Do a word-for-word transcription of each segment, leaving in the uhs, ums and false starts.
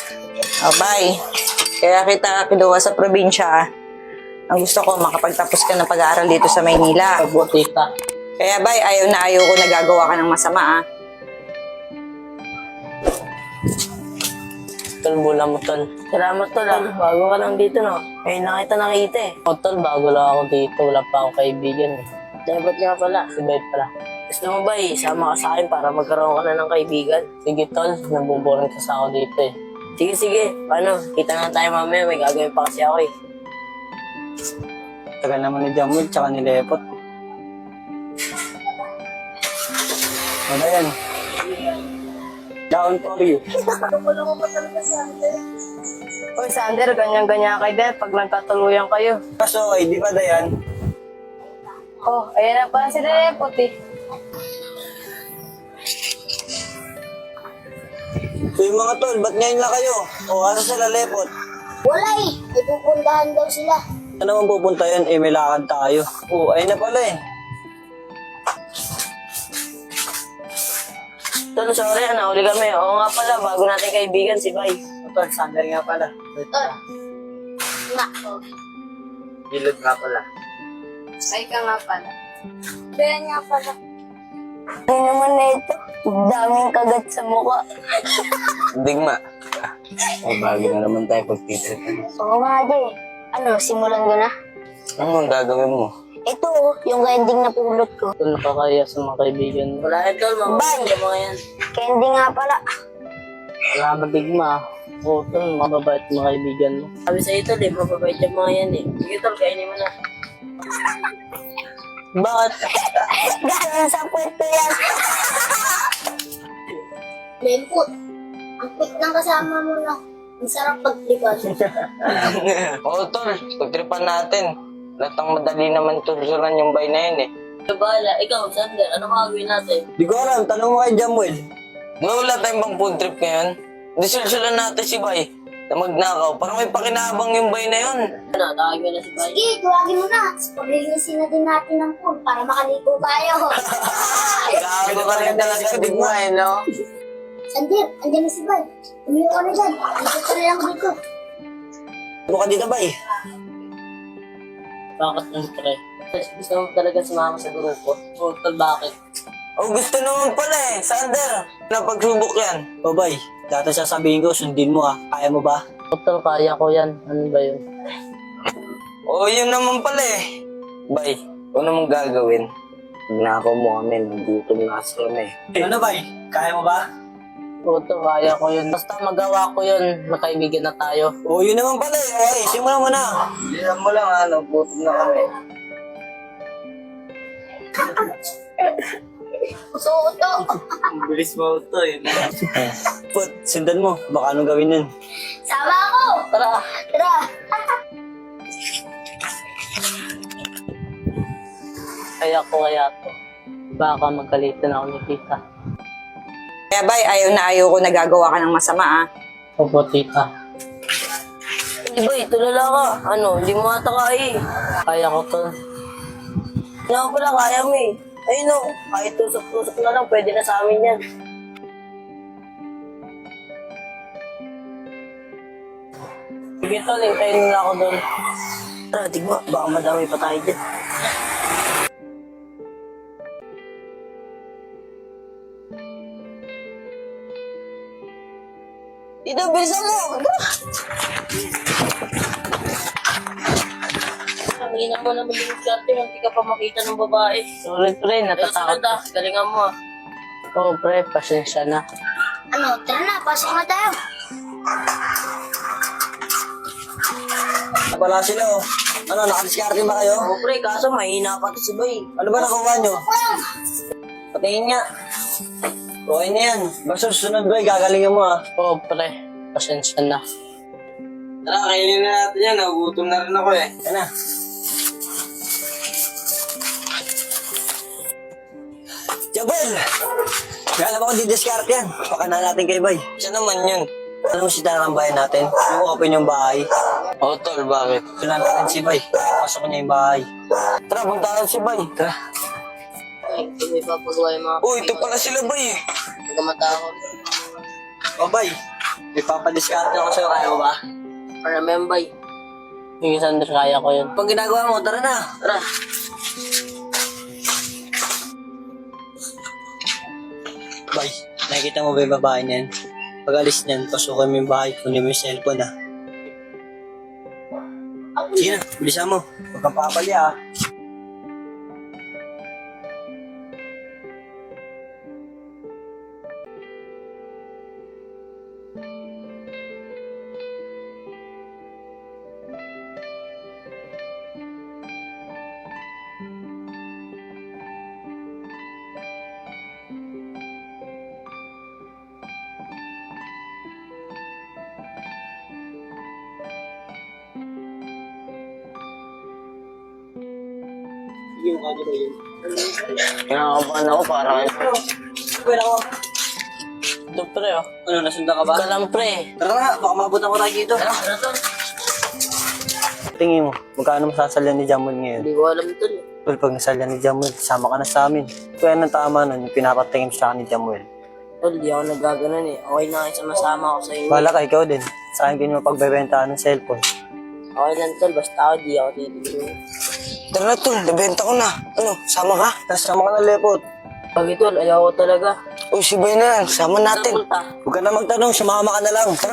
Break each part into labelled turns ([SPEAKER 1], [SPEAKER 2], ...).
[SPEAKER 1] Oh, bye. Kaya kita kinuha sa probinsya. Ang gusto ko, makapagtapos ka ng pag-aaral dito sa Maynila.
[SPEAKER 2] Opo, tita.
[SPEAKER 1] Kaya bye, ayaw na ayaw ko nagagawa ka ng masama ah.
[SPEAKER 2] Tol, bula mo, tol. Salamat, tol. Ah. Bago ka lang dito, no? Ngayon na kita nakita eh. O, tol, bago lang ako dito. Wala pa akong kaibigan eh. Dapat nga pala. Si Bay pala. Gusto mo ba eh, sama ka sa akin para magkaroon ka na ng kaibigan? Sige, tol. Nabuboring ka sa ako dito eh. Sige, sige. Paano? Kita na tayo mamaya. May gagawin pa kasi ako eh.
[SPEAKER 3] Tagal naman ni Jamwell, tsaka ni Lepot. Ano yan? Down for you.
[SPEAKER 2] Oy, Sander, ganyan-ganyan kayo din pag nagkatuluyan kayo.
[SPEAKER 3] Kaso, ay, di ba Dayan?
[SPEAKER 2] Oh, ayan na pa sila eh, puti.
[SPEAKER 3] So yung mga tol, ba't ngayon lang kayo? O, asa sila Lepot?
[SPEAKER 4] Wala eh. May pupuntahan daw sila.
[SPEAKER 3] Saan naman pupunta yan? Eh, may lakad tayo. O, ayun na pala eh.
[SPEAKER 2] Tol, sorry, nahuli kami. Oo nga pala, bago natin kaibigan si Bay.
[SPEAKER 3] Tol, Sander nga pala.
[SPEAKER 4] Tol. Nga. Oh.
[SPEAKER 3] Gilid nga pala.
[SPEAKER 4] Ay ka nga pala. Kaya nga pala.
[SPEAKER 2] Ay naman na ito, daming kagat sa mukha.
[SPEAKER 3] Digma. Ay, bagay na naman tayo pagtitripan.
[SPEAKER 4] Oo nga, Jay. Ano, simulan ko na?
[SPEAKER 3] Ano ang gagawin mo?
[SPEAKER 4] Ito, oh, yung ending na pulot ko.
[SPEAKER 2] Tol, nakakaya sa mga kaibigan. Wala yan, Tol. Mga yung mga yan.
[SPEAKER 4] Candy nga pala.
[SPEAKER 2] Wala madigma. Oo, Tol, mababait mga kaibigan mo. Sabi sa'yo, Tol, eh, mababait yung mga yan eh. Sige, Tol, kainin mo na. Bakit?
[SPEAKER 4] Galing sa puwet yan. Lemput. Ang quick ng kasama mo na. Ang sarap pagtripan.
[SPEAKER 3] Oo, tol. Pagtripan natin. Lahat ng madali naman tulsulan yung bay na yun eh.
[SPEAKER 2] Ikaw, bahala. Ikaw, Sander, ano gagawin natin?
[SPEAKER 3] Di ko alam. Tanong mo kay Jamwell. Wala tayong bang food trip ngayon? Disulsulan natin si Bay na magnakaw. Parang may pakinabang yung bay na yun.
[SPEAKER 2] Ano, tawag mo na si Bay?
[SPEAKER 4] Sige, tuwagin mo na. Paglilisin na din natin ng pool para makaligo tayo.
[SPEAKER 3] Gago ka rin talaga sa digma eh, no?
[SPEAKER 4] Sandir, andyan na si Bay. Umiyo ka na dyan. Ikot ka na lang dito.
[SPEAKER 3] Ano ka dito, Bay?
[SPEAKER 2] Bakit ang pre? Gusto mo talaga sumama sa grupo? Oo, Tol, bakit?
[SPEAKER 3] Oh, gusto naman pala eh. Sander, napagsubok yan. O, Bay, dati sasabihin ko, sundin mo ah. Kaya mo ba?
[SPEAKER 2] Oo, Tol, kaya ko yan. Ano ba yun?
[SPEAKER 3] Oo, yun naman pala eh. Bay, ano mong gagawin? Nako mo kami, nagutom na kasi kami. Ano, Bay? Kaya mo ba?
[SPEAKER 2] Oo, Tol, kaya ko yun. Basta magawa ko yun, makaibigan na tayo.
[SPEAKER 3] Oo, yun naman pala eh. Okay, simulan mo na. Simulan mo lang, ano, gutom na kami.
[SPEAKER 4] Uso-uto.
[SPEAKER 3] Ang bilis mo ito eh. Put, sundan mo. Baka anong gawin nun?
[SPEAKER 4] Sama ako.
[SPEAKER 2] Tara!
[SPEAKER 4] Tara.
[SPEAKER 2] Kaya ko kaya to. Baka magkalitan ako ni tita.
[SPEAKER 1] Kaya bay, ayaw na ayaw ko nagagawa ka ng masama ah.
[SPEAKER 2] Opo, tita. Hindi ba, tulala ka. Ano, hindi mo ata kaya eh. Kaya ko to. Hindi ako pala kaya mo eh. Ayun no, kahit tusok-tusok na lang, pwede na sa amin yan. Sige tol, hintayin nila ako doon. Tara, tigma, baka madami pa tayo dyan. Dito, bilisan mo! Hindi na mo naman yung swerte kung hindi ka pa makita ng babae. Sorry, pre, natatakot. Ah, galingan mo ah. Oo, pre, pasensya na.
[SPEAKER 4] Ano, tara na. Pasok na tayo.
[SPEAKER 3] Wala sila oh. Ano, nakadiskarte ba kayo?
[SPEAKER 2] Oo, pre, kaso mahina pa to si Bay.
[SPEAKER 3] Ano ba nakuha nyo? Patingin nga. Okay na yan. Basta susunod ba, gagalingan mo ah.
[SPEAKER 2] Oo, pre, pasensya na.
[SPEAKER 3] Tara, kainin na natin yan. Nagutom na rin ako eh. Yan na. Jabel! Kaya naman kung didiskarte yan. Baka na natin kay Bay. Siya naman yun. Alam mo si Tanang bahay natin? Yung open yung bahay. Oo, tol, bakit? Kailangan natin si Bay. Pasok niya yung bahay. Tara, punta natin si Bay. Tara.
[SPEAKER 2] Ay, kung may papagawa yung mga
[SPEAKER 3] Uy, ito pala sila Bay eh.
[SPEAKER 2] pagkamata ako.
[SPEAKER 3] O Bay, May papadiskarte ako sa'yo, kaya mo ba?
[SPEAKER 2] Para naman, bay. Yung Sander, kaya ko yun.
[SPEAKER 3] Pag ginagawa mo, tara na.
[SPEAKER 2] Tara.
[SPEAKER 3] Bay, nakikita mo ba yung babae niyan? Pag alis niyan, pasukin mo yung bahay, kunin mo yung cellphone ha. Sige na, bilisan mo. Huwag kang papali ha. Yung kanya ba yun?
[SPEAKER 2] Kinakabahan ako para kayo.
[SPEAKER 3] Pwede ako.
[SPEAKER 2] Ito, pre, oh.
[SPEAKER 3] Ano, nasundan ka ba?
[SPEAKER 2] Ika lang, pre.
[SPEAKER 3] Tara na, baka mabutan ko tayo dito.
[SPEAKER 2] Tara, tara, tara.
[SPEAKER 3] Tingin mo, magkano masasalyan ni Jamuel ngayon?
[SPEAKER 2] Hindi ko alam, tol.
[SPEAKER 3] Well, pag nasalyan ni Jamuel, sama ka na sa amin. Kaya nang tama nun, yung pinapatingin sa akin ni Jamuel.
[SPEAKER 2] Tol, di ako nagaganon eh. Okay na kayo sama-sama ako sa inyo.
[SPEAKER 3] Bahala ka, ikaw din. Sa akin din mo pagbebentahan ng cellphone.
[SPEAKER 2] Okay lang, tol. Basta ako, di ako titigil.
[SPEAKER 3] Tara na, tol. Nabenta ko na. Ano, sama ka? Tapos sama ka na, Lepot.
[SPEAKER 2] Pag ito, ayaw ko talaga.
[SPEAKER 3] O, si Bay na yan. Sama natin.
[SPEAKER 2] Saan punta?
[SPEAKER 3] Huwag ka na magtanong. Sumama ka na lang. Tara.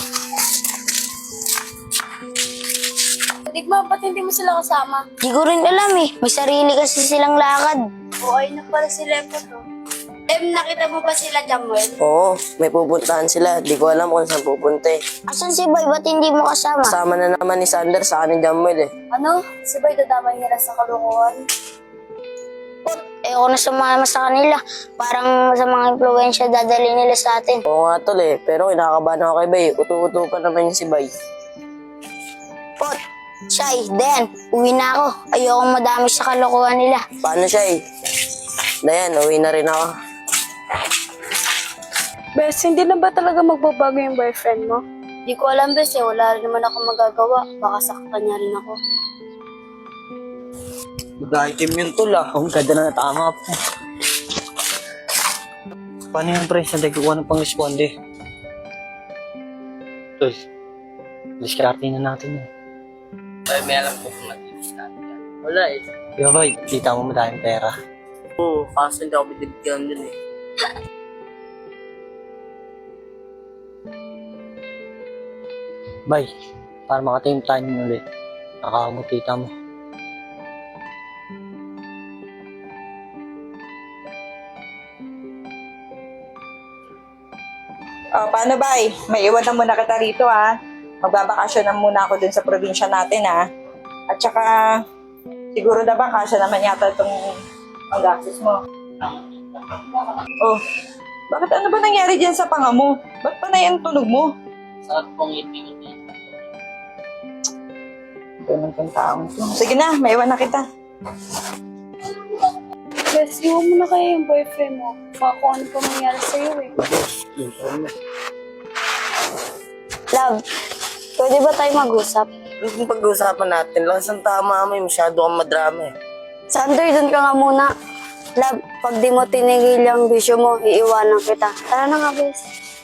[SPEAKER 4] Digma, ba't hindi mo sila kasama?
[SPEAKER 5] Di ko rin alam eh. May sarili kasi silang lakad.
[SPEAKER 4] O ay na pala sila po to. Em, nakita mo ba sila, Jamuel?
[SPEAKER 2] Oo, may pupuntahan sila. Di ko alam kung saan pupunta eh.
[SPEAKER 5] Asan si Boy? Ba't hindi mo kasama?
[SPEAKER 2] Kasama na naman ni Sander sa akin ni Jamuel eh.
[SPEAKER 4] Ano? Si Bay dadamay nila sa kalukuhan?
[SPEAKER 5] Pot, ayoko na sumama sa kanila. Parang sa mga impluensya dadali nila sa atin.
[SPEAKER 2] Oo nga tol eh, pero kinakabahan ako kay Bay. Utu-utu pa naman yung si Bay.
[SPEAKER 5] Pot, Shy, Dan, uwi na ako. Ayokong madami sa kalokohan nila.
[SPEAKER 2] Paano siya eh? Dayan, uwi na rin ako.
[SPEAKER 6] Bes, hindi na ba talaga magbabago yung boyfriend mo?
[SPEAKER 4] Di ko alam, bes eh. Wala rin naman ako magagawa. Baka saktan niya rin ako.
[SPEAKER 3] Mag-item yun, tol ah. Ang ganda na natama po. Paano yung pre? Saan tayo kukuha ng pang-responde? Tol, diskarte na natin yun.
[SPEAKER 2] Ay, may alam ko kung nag-i-start yan. Wala eh.
[SPEAKER 3] Yo, boy, kita mo madaming pera.
[SPEAKER 2] Oo, kaso hindi ako binibigyan dun eh.
[SPEAKER 3] Bay, para makatim tayo nun ulit. Nakakamot kita mo.
[SPEAKER 1] Oh, paano ba eh? May iwan na muna kita rito ha. Magbabakasyon na muna ako dun sa probinsya natin ha. At saka, siguro na ba kasya naman yata itong pag-access mo? Oh, bakit ano ba nangyari dyan sa panga mo? Ba't pa na yung tunog mo?
[SPEAKER 2] Sarap pong itingot eh.
[SPEAKER 1] Ganun kang taong to. Sige na, may iwan na kita.
[SPEAKER 6] Bes, iwan mo na kaya yung boyfriend mo. Baka kung ano pa mangyari sa'yo eh.
[SPEAKER 5] Love, pwede ba tayo mag-usap?
[SPEAKER 2] Ano kung pag-uusapan natin? Lakas ang tama mo eh. Masyado kang madrama eh.
[SPEAKER 5] Sander, dun ka nga muna. Love, pag di mo tinigil yung bisyo mo, iiwanan kita. Tara na nga, bes.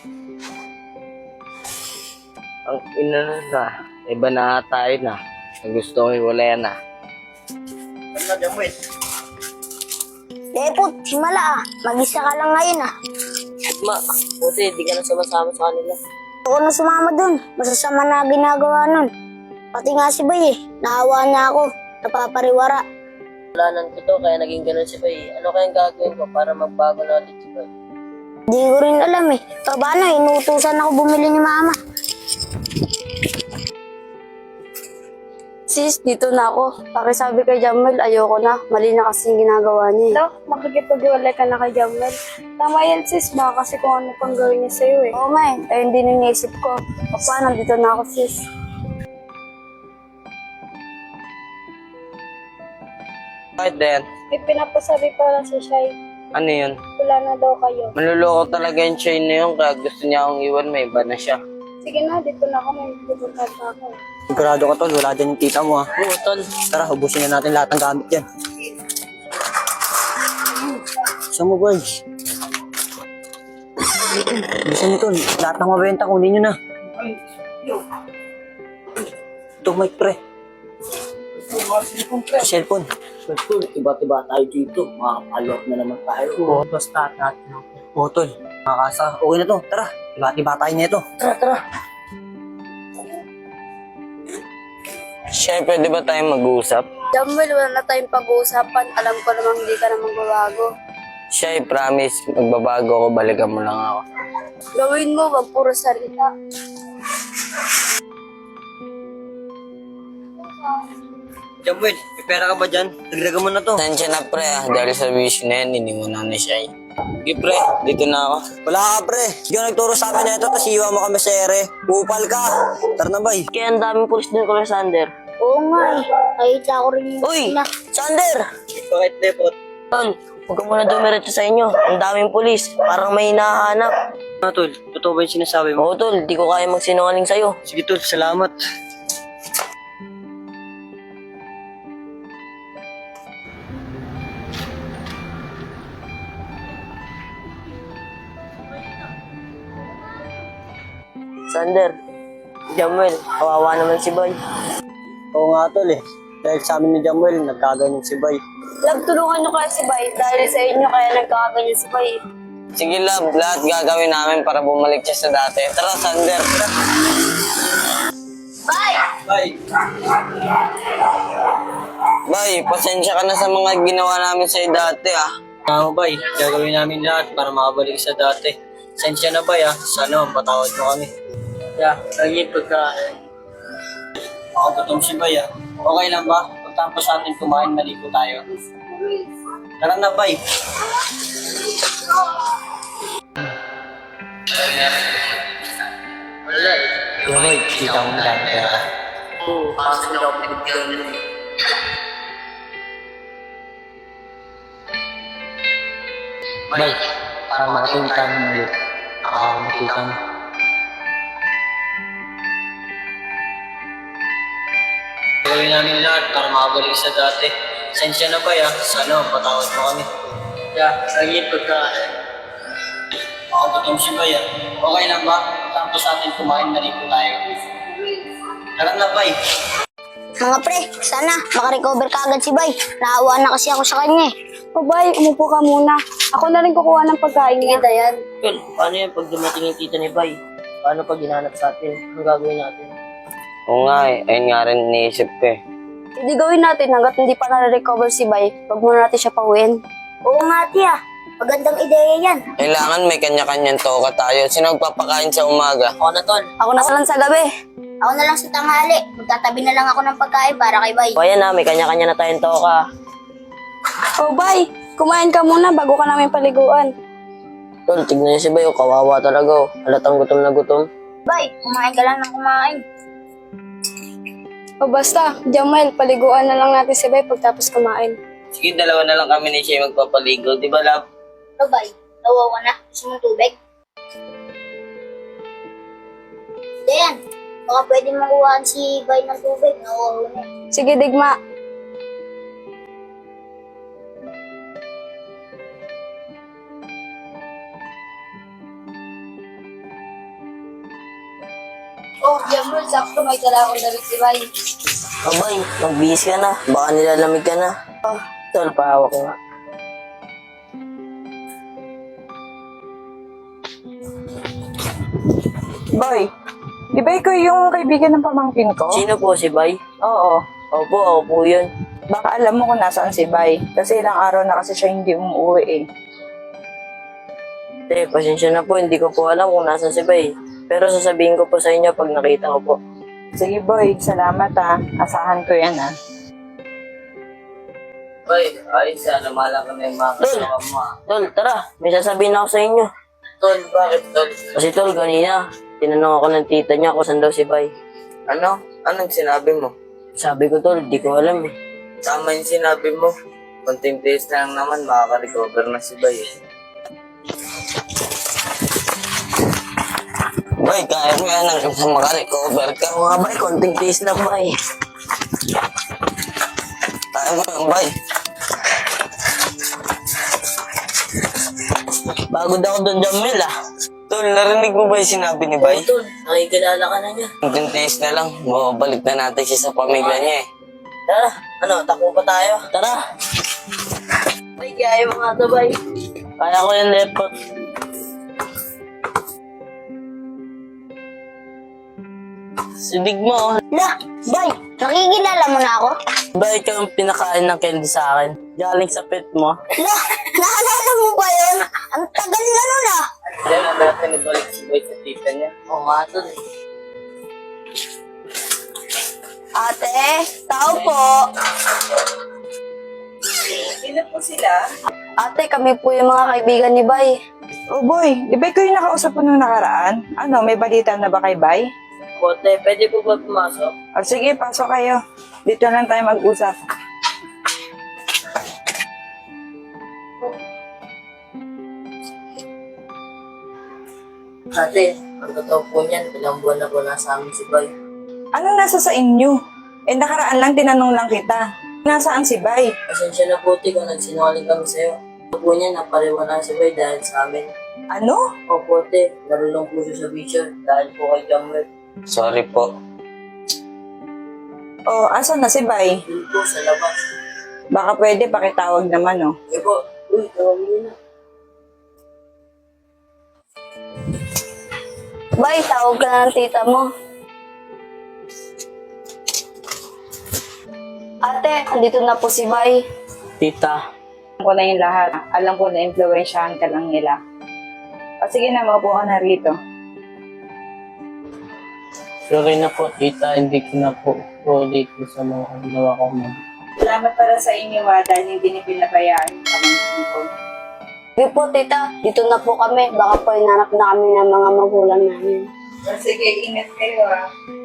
[SPEAKER 2] Ang ina na na. Iba na tayo na. Ang gusto ko iwalayan na.
[SPEAKER 3] Ano na, Jamuel?
[SPEAKER 5] Lepot, himala ah. Mag-isa ka lang ngayon ah.
[SPEAKER 2] Ma, buti di ka na sumasama sa kanila.
[SPEAKER 5] Ako na sumama dun. Masasama na ginagawa nun. Pati nga si Bay eh. Nahawa niya ako. Napapariwara.
[SPEAKER 2] Wala nang totoo kaya naging ganun si Bay. Ano kayang gagawin ko para magbago na ulit si Bay?
[SPEAKER 5] Di ko rin alam eh. Paano, inuutusan ako bumili ni Mama.
[SPEAKER 6] Sis, dito na ako. Pakisabi kay Jamuel, ayoko na. Mali na kasi yung ginagawa niya eh.
[SPEAKER 4] Hello? Makikipag-iwalay ka na kay Jamuel.
[SPEAKER 6] Tama yan sis, baka kasi kung ano pang gawin niya sa'yo eh.
[SPEAKER 5] Oo nga eh. Ayun din yung naisip ko.
[SPEAKER 6] O paano, dito na ako sis.
[SPEAKER 2] Bakit din?
[SPEAKER 6] May pinapasabi para sa Shai.
[SPEAKER 2] Ano yun?
[SPEAKER 6] Wala na daw kayo.
[SPEAKER 2] Manluloko talaga yung chain na yun kaya gusto niya akong iwan. May iba na siya.
[SPEAKER 6] Sige na, dito na ako. May pupunta na ako.
[SPEAKER 3] Sigurado ka, tol. Wala dyan yung tita mo ha.
[SPEAKER 2] Oo, tol.
[SPEAKER 3] Tara, ubusin na natin lahat ng gamit yan. Saan mo, boy? Bisa nyo, tol. Lahat ng mabenta, kunin nyo na. Ito, mic, pre. Cellphone.
[SPEAKER 2] Tol, tiba-tiba tayo dito. Makakapalok na naman tayo. Oo, basta natin ako.
[SPEAKER 3] Oo, tol. Mga kasa, okay na to. Tara, iba-iba tayo na ito.
[SPEAKER 2] Tara, tara.
[SPEAKER 7] Siyempre, di ba tayo mag-uusap?
[SPEAKER 6] Jamuel, wala na tayong pag-uusapan. Alam ko namang hindi ka naman babago.
[SPEAKER 7] Siya, I promise, magbabago ako, balikan mo lang ako.
[SPEAKER 6] Gawin mo, wag puro salita.
[SPEAKER 3] Jamuel, may pera ka ba dyan? Dagdagan mo na to.
[SPEAKER 7] Tansya na pre ah, dahil sa wish na yan, iniwanan na siya. Sige pre, dito na ako.
[SPEAKER 3] Wala ka, pre. Sige, nagturo sa amin na ito, tapos iiwan mo kami sa ere. Upal ka. Tara na, bay.
[SPEAKER 2] Kaya ang daming pulis din ko, Sander.
[SPEAKER 5] Oo nga eh. Nakita ko rin yung
[SPEAKER 2] Uy,
[SPEAKER 5] sila.
[SPEAKER 2] Sander!
[SPEAKER 3] Bakit, Lepot?
[SPEAKER 2] Tol, huwag ka muna dumiretso sa inyo. Ang daming pulis. Parang may hinahanap.
[SPEAKER 3] Ano, tol? Totoo ba yung sinasabi mo?
[SPEAKER 2] Oo, tol. Di ko kaya magsinungaling sa'yo.
[SPEAKER 3] Sige, tol. Salamat.
[SPEAKER 2] Sander, Jamuel, kawawa naman si Boy.
[SPEAKER 3] Oo nga, tol eh. Dahil sa amin ni Jamuel, nagkaganyan si Bay.
[SPEAKER 6] Love, tulungan nyo kaya si Bay. Dahil sa inyo kaya nagkakaganyan si Bay.
[SPEAKER 7] Sige love, lahat gagawin namin para bumalik siya sa dati. Tara, Sander.
[SPEAKER 3] Bay!
[SPEAKER 7] Bay, pasensya ka na sa mga ginawa namin sa'yo dati ah.
[SPEAKER 3] Ano, Bay? Gagawin namin lahat para makabalik sa dati. Sensya na, Bay, ah. Sana mapatawad mo kami.
[SPEAKER 2] Yeah, lagi pagka...
[SPEAKER 3] Ako gutom si Bay, ah. Okay lang ba? Pagtapos natin kumain, maligo tayo. Tara na, Bay. Bay, kita mo na lang pera.
[SPEAKER 2] Oo, kasi hindi ako pinagbigan yun.
[SPEAKER 3] Bay, para makita mo ulit. Ako makita mo. Gawin namin lahat para makabalik sa dati. Sensya na, Bay, ah. Sana mapatawad mo kami.
[SPEAKER 2] Yeah, lagi pagka...
[SPEAKER 3] Ako gutom si Bay, ah. Okay lang ba? Tapos natin kumain, maligo tayo. Tara na, Bay.
[SPEAKER 5] Mga pre, sana makarecover ka agad si Bay. Naawa na kasi ako sa kanya eh.
[SPEAKER 6] O Bay, umupo ka muna. Ako na rin kukuha ng pagkain niya.
[SPEAKER 5] Kita yan.
[SPEAKER 2] Tol, paano yan pag dumating yung tita ni Bay? Paano pag hinanap sa atin? Ang gagawin natin?
[SPEAKER 7] Oo nga eh, ayun nga rin iniisip ko eh.
[SPEAKER 6] Hindi gawin natin hanggat hindi pa na-recover si Bay. Huwag muna natin siya pauwiin.
[SPEAKER 5] Oo nga tiya. Magandang ideya yan.
[SPEAKER 7] Kailangan may kanya-kanyang toka tayo. Sino magpapakain sa umaga?
[SPEAKER 2] Ako na, Tol.
[SPEAKER 6] Ako na lang sa gabi.
[SPEAKER 5] Ako na lang sa tanghali. Magtatabi na lang ako ng pagkain para kay Bay.
[SPEAKER 2] O ayan na, may kanya-kanya na tayong toka.
[SPEAKER 6] O Bay, kumain ka muna bago ka namin paliguan.
[SPEAKER 2] Tol, tignan niyo si Bay, oh, kawawa talaga. Oh. Halatang gutom na gutom.
[SPEAKER 5] Bay, kumain ka lang ng kumain.
[SPEAKER 6] O basta, Jamuel, paliguan na lang natin si Bay pagtapos kumain.
[SPEAKER 7] Sige, dalawa na lang kami ni Shay magpapaligo. Di ba love?
[SPEAKER 5] Ano Bay? Nawawa na. Gusto mong tubig? Dayan, baka pwede makuhaan si Bay ng tubig. Nawawa na.
[SPEAKER 6] Sige, Digma. Oh, Jamuel, sakto may dala akong damit si Bay.
[SPEAKER 2] O Bay, magbihis ka na. Baka nilalamig ka na. Oh, Tol, pahawak ko nga.
[SPEAKER 1] Boy, di ba ikaw yung kaibigan ng pamangkin ko?
[SPEAKER 2] Sino po si Bay?
[SPEAKER 1] Oo.
[SPEAKER 2] Opo, ako po yun.
[SPEAKER 1] Baka alam mo kung nasaan si Bay. Kasi ilang araw na kasi siya hindi umuwi eh.
[SPEAKER 2] Eh, pasensya na po, hindi ko po alam kung nasan si Bay. Pero sasabihin ko po sa inyo pag nakita ko po.
[SPEAKER 1] Sige boy, salamat ah. Asahan ko yan ah.
[SPEAKER 7] Bay, ayos ah. Lumala ka na yung mga kasama mo ah.
[SPEAKER 2] Tol, tara, may sasabihin ako sa inyo.
[SPEAKER 7] Tol, bakit tol?
[SPEAKER 2] Kasi Tol, kanina, tinanong ako ng tita niya kung saan daw si Bay.
[SPEAKER 7] Ano? Anong sinabi mo?
[SPEAKER 2] Sabi ko, Tol, di ko alam eh.
[SPEAKER 7] Tama yung sinabi mo. Konting days na lang naman, makaka-recover na si Bay eh. Bay, kaya mo yan hanggang sa makarecover ka.
[SPEAKER 2] Oo nga, Bay, konting tiis na, Bay.
[SPEAKER 7] Kaya mo yan, Bay.
[SPEAKER 2] Bago daw doon, Jamil ah.
[SPEAKER 3] Tol, narinig mo ba yung sinabi ni Bay?
[SPEAKER 2] Tol, nakikilala ka na niya.
[SPEAKER 3] Hanggang tiis na lang, mababalik na natin siya sa pamilya niya eh.
[SPEAKER 2] Tara, ano, takbo pa tayo? Tara. Bay, kaya mo nga to, Bay. Kaya ko yung lepot. Sinig mo.
[SPEAKER 5] La, bay, nakikilala mo na ako?
[SPEAKER 2] Bay, ikaw ang pinakain ng candy sa akin. Galing sa pet mo.
[SPEAKER 5] La, naalala mo ba yun? Ang tagal na nun ah.
[SPEAKER 7] Diyan na natin nabalik si Boy sa tita niya.
[SPEAKER 2] Oo nga, Tol.
[SPEAKER 5] Ate, tao po.
[SPEAKER 1] Sino po sila?
[SPEAKER 6] Ate, kami po yung mga kaibigan ni Bay.
[SPEAKER 1] Oh boy, di ba ikaw yung nakausap mo nung nakaraan? Ano, may balita na ba kay Bay?
[SPEAKER 2] Bote, pwede po ba pumasok?
[SPEAKER 1] O sige, pasok kayo. Dito lang tayo mag-usap.
[SPEAKER 2] Ate, ang totoo po niyan, ilang buwan na po nasa amin si Bay.
[SPEAKER 1] Anong nasa sa inyo? Eh, nakaraan lang, tinanong lang kita. Nasaan si Bay?
[SPEAKER 2] Pasensya na po, Te, kung nagsinungaling kami sa'yo. Ito po niya, napariwala si Bay dahil sa amin.
[SPEAKER 1] Ano?
[SPEAKER 2] Opo, Te, narulong po siya sa vision dahil po kay Jamuel.
[SPEAKER 3] Sorry po.
[SPEAKER 1] Oh, asan na si Bay?
[SPEAKER 2] Doon po sa labas.
[SPEAKER 1] Baka pwede, pakitawag naman, oh.
[SPEAKER 2] Eh po, uy, tawagin niyo na.
[SPEAKER 6] Bay, tawag ka na ng tita mo. Ate, andito na po si Bay.
[SPEAKER 2] Tita,
[SPEAKER 1] Alam ko na yung lahat. Alam ko na influensyahan ka lang nila. O sige na, maupo ka na rito.
[SPEAKER 2] sorry na po, tita, hindi ko na po ulit sa mga ginawa ko man.
[SPEAKER 1] Salamat para sa inyo, ha, dahil hindi niyo pinabayaan yung pamangkin ko.
[SPEAKER 6] Hindi po, tita. Dito na po kami. Baka po hinanap na kami ng mga magulang namin.
[SPEAKER 1] O sige, ingat kayo, ha.